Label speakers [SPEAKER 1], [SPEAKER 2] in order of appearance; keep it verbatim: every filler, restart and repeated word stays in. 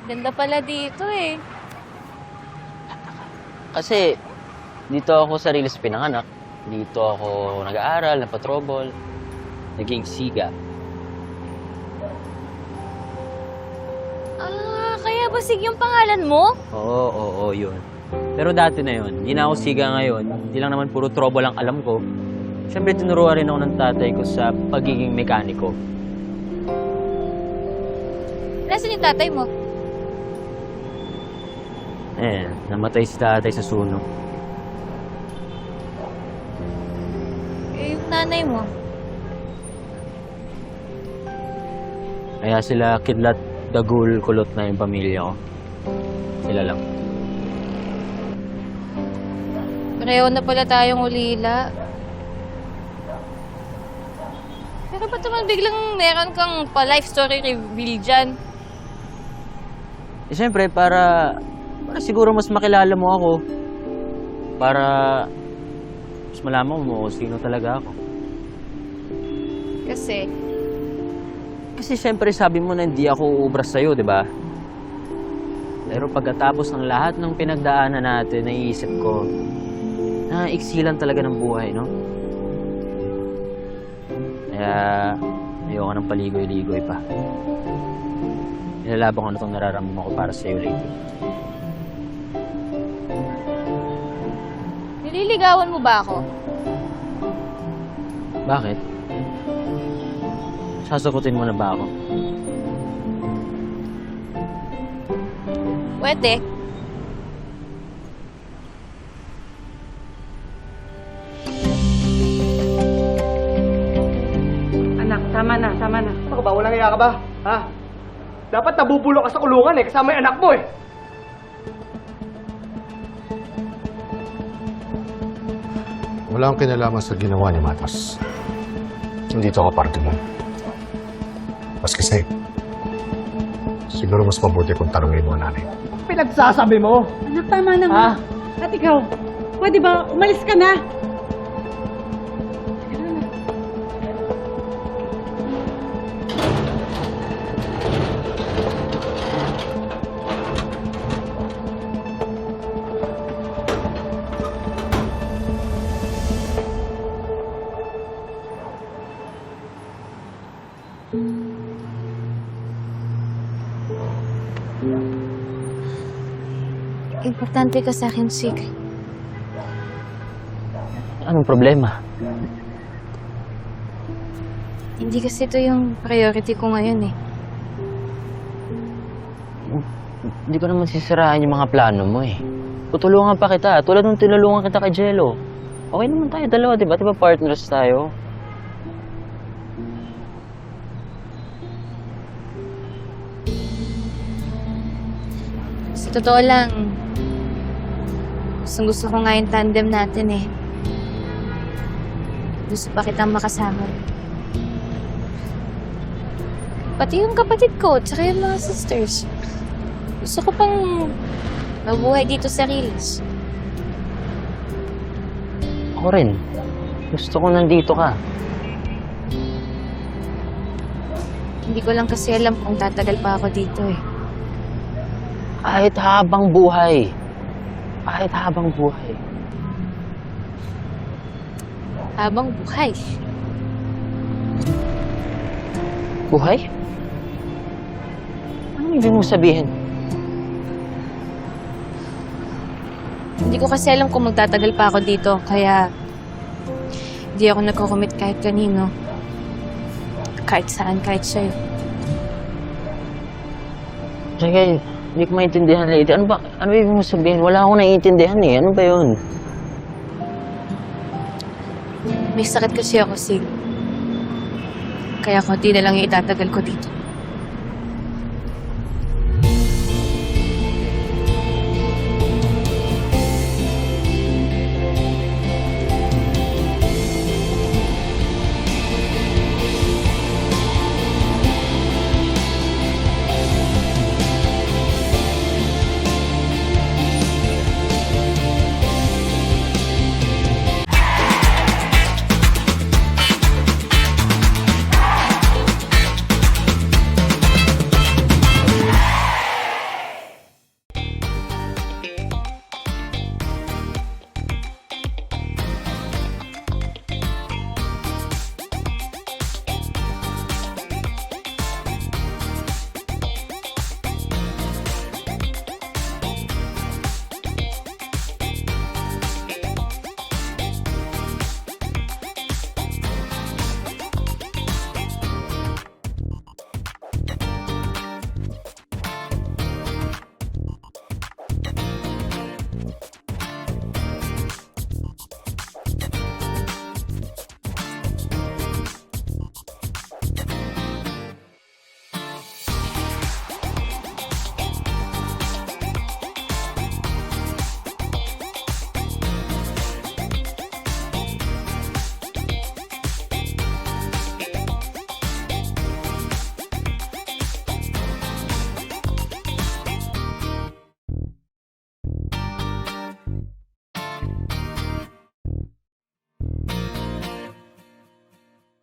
[SPEAKER 1] Ganda pala dito eh.
[SPEAKER 2] Kasi dito ako sa Riles pinanganak. Dito ako nag-aaral, napatrobol, naging siga.
[SPEAKER 1] Ah, kaya ba Sig yung pangalan mo?
[SPEAKER 2] Oo, oo, oo, yun. Pero dati na yun, hindi na ako siga ngayon. Hindi lang naman puro trouble ang alam ko. Siyempre, tinuruan rin ako ng tatay ko sa pagiging mekaniko.
[SPEAKER 1] Nasaan yung tatay mo?
[SPEAKER 2] Eh, namatay si tatay sa sunog.
[SPEAKER 1] Eh, yung nanay mo?
[SPEAKER 2] Kaya sila kidlat, dagul, kulot na yung pamilya ko. Sila lang.
[SPEAKER 1] Pareho na pala tayong ulila. Pero ba't naman biglang meron kang pa-life story reveal dyan?
[SPEAKER 2] Eh, siyempre, para, para siguro mas makilala mo ako. Para mas malaman mo kung sino talaga ako.
[SPEAKER 1] Kasi,
[SPEAKER 2] Kasi siyempre sabi mo na hindi ako uubras sa'yo, di ba? Pero pagkatapos ng lahat ng pinagdaanan natin, naiisip ko, na iksilan talaga ng buhay, no? Kaya ayoko ng paligoy-ligoy pa. Nilalaban ko na itong nararamdaman ko para sa'yo lately.
[SPEAKER 1] nililigawan mo ba ako?
[SPEAKER 2] Bakit? Sasagutin mo na ba ako?
[SPEAKER 1] Pwede.
[SPEAKER 3] Anak, tama na, tama na.
[SPEAKER 4] Ako ba? Walang iya ka ba? Ha? Dapat nabubulok ka sa kulungan eh, kasama yung anak mo eh.
[SPEAKER 5] Wala akong kinalaman sa ginawa ni Matas. Nandito ako parte mo. Mas kasi, siguro mas mabuti kung tanongin mo ang nanay.
[SPEAKER 4] Pinagsasabi mo?
[SPEAKER 3] Anak, tama na nga. At ikaw, pwede ba umalis ka na?
[SPEAKER 1] Importante ka sa akin, Sig.
[SPEAKER 2] Anong problema?
[SPEAKER 1] Hindi kasi ito yung priority ko ngayon eh.
[SPEAKER 2] Hindi ko naman sisiraan yung mga plano mo eh. Tutulungan pa kita. Tulad nung tinulungan kita kay Jello. Okay naman tayo dalawa, di ba? Di ba partners tayo?
[SPEAKER 1] Sa totoo lang, gustong gusto ko nga yung tandem natin eh. Gusto pa kitang makasama. Pati yung kapatid ko, tsaka yung mga sisters. Gusto ko pang mabuhay dito sa Riles.
[SPEAKER 2] Ako rin. Gusto ko nandito ka.
[SPEAKER 1] Hindi ko lang kasi alam kung tatagal pa ako dito eh.
[SPEAKER 2] Kahit habang buhay. Kahit habang buhay.
[SPEAKER 1] Habang buhay.
[SPEAKER 2] Buhay? Anong ibig mong sabihin?
[SPEAKER 1] Hindi ko kasi alam kung magtatagal pa ako dito, kaya hindi ako nagko-commit kahit kanino. Kahit saan, kahit sa'yo.
[SPEAKER 2] Sige, hindi ko maintindihan, lady. Ano ba? Ano ibig mong sabihin? Wala akong naiintindihan eh. Ano ba yun?
[SPEAKER 1] May sakit kasi ako, Sig. Kaya konti na lang yung itatagal ko dito.